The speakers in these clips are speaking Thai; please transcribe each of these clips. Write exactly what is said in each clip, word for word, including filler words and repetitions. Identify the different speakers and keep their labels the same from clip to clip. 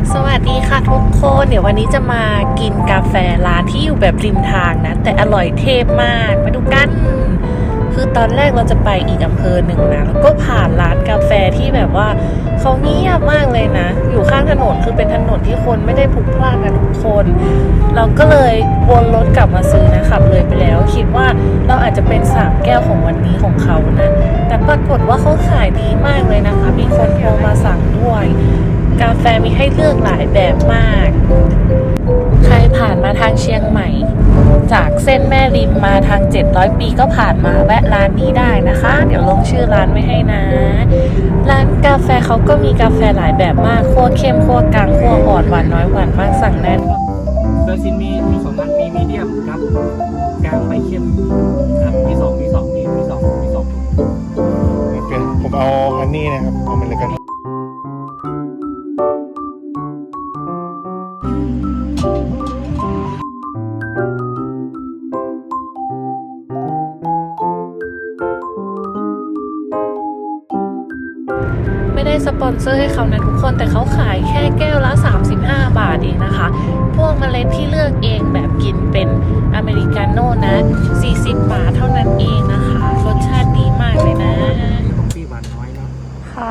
Speaker 1: สวัสดีค่ะทุกคนเดี๋ยววันนี้จะมากินกาแฟร้านที่อยู่แบบริมทางนะแต่อร่อยเทพมากมาดูกันคือตอนแรกเราจะไปอีกอำเภอหนึ่งนะแล้วก็ผ่านร้านกาแฟที่แบบว่าเขาเงียบมากเลยนะอยู่ข้างถนนคือเป็นถนนที่คนไม่ได้พลุกพล่านกันทุกคนเราก็เลยวนรถกลับมาซื้อนะขับเลยไปแล้วคิดว่าเราอาจจะเป็นสามแก้วของวันนี้ของเขานะแต่ปรากฏว่าเขาขายดีมากเลยนะคะมีคนโทรมาสั่งด้วยกาแฟมีให้เลือกหลายแบบมาก ใครผ่านมาทางเชียงใหม่จากเส้นแม่ริมมาทางเจ็ดร้อยปีก็ผ่านมาแวะร้านนี้ได้นะคะ เดี๋ยวลงชื่อร้านไว้ให้นะ ร้านกาแฟเขาก็มีกาแฟหลายแบบมากคั่วเข้มคั่วกลางคั่วอ่อนหวานน้อยหวานมากสั่งได้
Speaker 2: เบอร์ซินมีมีสองอันมีมีเดียมครับกลางไปเข้มครับมีสองมีสองมีมีสองมีสองถุง
Speaker 3: โอเคผมเอาฮันนี่นะครับเอามันเลยกัน
Speaker 1: ไม่ได้สปอนเซอร์ให้เขานะทุกคนแต่เขาขายแค่แก้วละสามสิบห้าบาทเองนะคะ พวกเมล็ดที่เลือกเองแบบกินเป็นอเมริกาโน่นะสี่สิบบาทเท่านั้นเองนะคะรสชาติดีมากเลยนะ
Speaker 2: ของพี่หวานน้อยเนาะ
Speaker 1: ค่ะ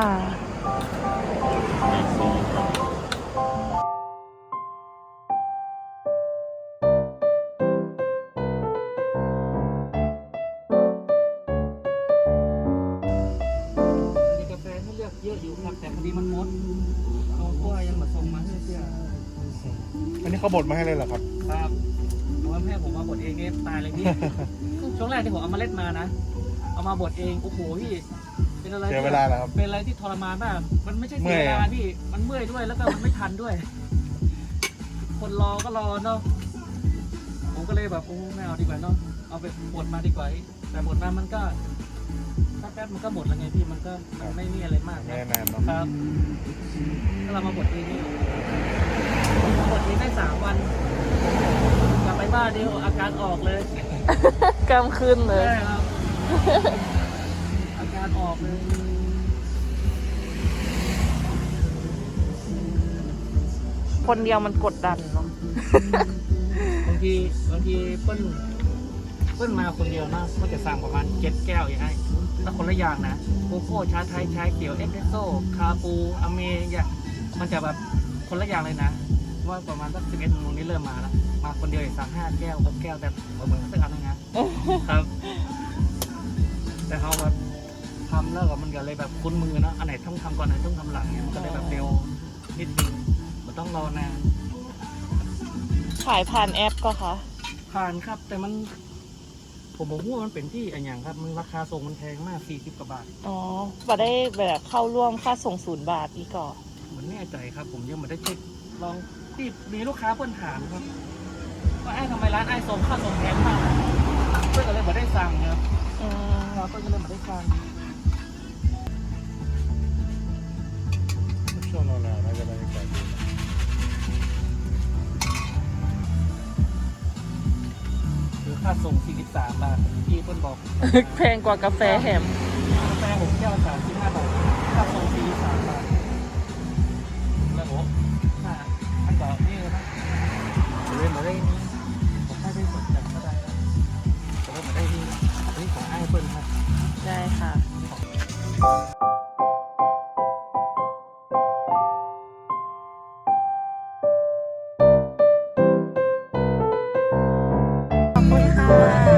Speaker 2: มีกาแฟให้เลือกเยอะอยู่ครับแต่พอดีมันหมดเขาก็ยังมาส่งมาให้เพื่อ
Speaker 3: อันนี้เขาบดมาให้เลยเหรอครับ
Speaker 2: ครับเพราะว่าแม่ผมมาบดเองเนี่ยตายเลยพี่ช่วงแรกที่ผมเอามาเล็ดมานะเอามาบดเองโอ้โหพี่เป็นอะไร
Speaker 3: เสียเวลาแล้วครับ
Speaker 2: เป็นอะไรที่ทรมานมากมันไม่ใช่เสียเวลาพี่มันเมื่อยด้วยแล้วก็มันไม่ทันด้วย คนรอก็รอเนาะผมก็เลยแบบโอ้ไม่เอาดีกว่าเนาะเอาไปบดมาดีกว่าแต่บดมามันก็ถ้าแป๊บมันก็หมดแล้วไงพี่มันก็มันไม่มีอะไรมาก
Speaker 3: ไม่
Speaker 2: นะ
Speaker 3: นานเนาะ
Speaker 2: ครับถ้าเรามาบดเองนี่บดเองได้สามวันกลับไปบ้านเดียวอาการออกเลย
Speaker 1: กำขึ้นเลย
Speaker 2: ใช่ครับอาการออกเลย
Speaker 1: คนเดียวมันกดดันเนาะ
Speaker 2: บางทีบางทีเปิ้ลเปิ้ลมาคนเดียวนะก็จะสั่งประมาณเจ็ดแก้วอย่างไรแล้วคนละอย่างนะโกโก้ชาไทยชาเขียวเอสเปรสโซ่คาปูอเมอย่างมันจะแบบคนละอย่างเลยนะว่าประมาณสักสิบเอ็ดโมงนี้เริ่มมาแล้วมาคนเดียวสั่งห้าแก้วหกแก้วแต่เหมือนสักอันนึงนะครับแต่เขาแบบทำแล้วก็มันก็เลยแบบคุ้นมือเนาะอันไหนต้องทำก่อนอันไหนต้องทำหลังเนี่ยมันก็เลยแบบเร็วนิดนึงมันต้องรอนาน
Speaker 1: ขายผ่านแอปก็คะ
Speaker 2: ผ่านครับแต่มันผมบอกว่ามันเป็นที่อันอย่างครับมันราคาส่งมันแพงมากสี่สิบกว่าบาท
Speaker 1: อ๋อบ่ได้แบบเข้าร่วมค่าส่งศูนย์บาทอีกก่อ
Speaker 2: เหมือนแน่ใจครับผมยังไม่ได้เช็คลองที่มีลูกค้าเพิ่นถามครับว่าไอ้ทำไมร้านไอ้ส่งค่าส่งแพงมากเพื่อนก็เลยไม่ได้สั่งครับ
Speaker 1: อืม
Speaker 2: เราเพื่อนก็เลยไม่ได้สั่ง
Speaker 3: ช่วงหนาวๆน่าจะบรรยากาศดี
Speaker 2: คือค่าส่งสี่สิบสามบาทที่เพื่อนบอก
Speaker 1: แพงกว่ากาแฟแฮม
Speaker 2: กาแฟผมแก้วละสามสิบห้าบาทค่าส่งสี่สิบสามบาทแล้วผมถ้าอันต่อนี่นะเล่นมาได้นี้ผมให้ได้สดจัดก็ได้แล้วแต่ว่ามาได้นี่นี่ของไอ้เปิ้ลครับ
Speaker 1: ได้ค่ะขอบคุณค่ะ